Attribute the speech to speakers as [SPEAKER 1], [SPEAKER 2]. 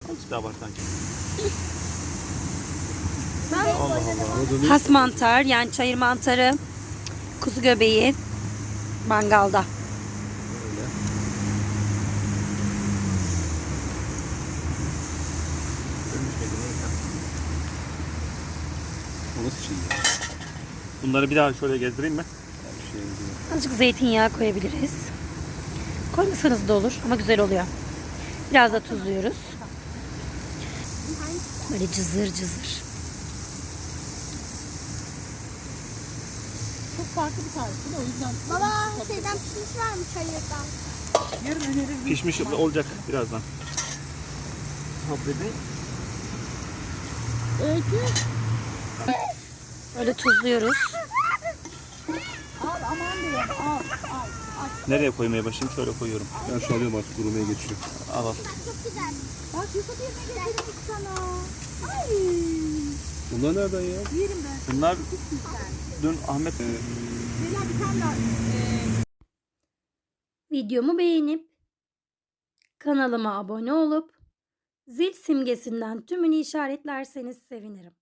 [SPEAKER 1] Azıcık daha var sanki.
[SPEAKER 2] Ben
[SPEAKER 1] Allah Allah.
[SPEAKER 3] Has mantar, yani çayır mantarı, kuzu göbeği mangalda.
[SPEAKER 1] Öyle. Ölmüş müydü, neyse.
[SPEAKER 4] O nasıl şey ya?
[SPEAKER 1] Bunları bir daha şöyle gezdireyim mi?
[SPEAKER 4] Bir şey değil.
[SPEAKER 3] Azıcık zeytinyağı koyabiliriz. Koymasanız da olur ama güzel oluyor. Biraz da tuzluyoruz. Böyle cızır cızır.
[SPEAKER 2] çok farklı bir tarif değil mi? O yüzden.
[SPEAKER 5] Baba şeyden pişmiş var mı çayırdan?
[SPEAKER 2] Yarın öneririm.
[SPEAKER 1] Pişmiş olacak birazdan. Ha bebeğim.
[SPEAKER 2] Öykü.
[SPEAKER 3] Böyle tuzluyoruz.
[SPEAKER 2] Al aman diyeyim. Al.
[SPEAKER 1] Nereye koymaya başlayayım? Şöyle koyuyorum.
[SPEAKER 4] Ben şu alıyorum artık durmaya geçiyor.
[SPEAKER 1] Al al.
[SPEAKER 5] Çok güzel.
[SPEAKER 2] Bak Yusuf yerine getirdik sana. Ay.
[SPEAKER 4] Bunlar nereden ya?
[SPEAKER 2] Yerim ben.
[SPEAKER 1] Bunlar dün Ahmet
[SPEAKER 2] Beyler bir tane daha.
[SPEAKER 3] Videomu beğenip kanalıma abone olup zil simgesinden tümünü işaretlerseniz sevinirim.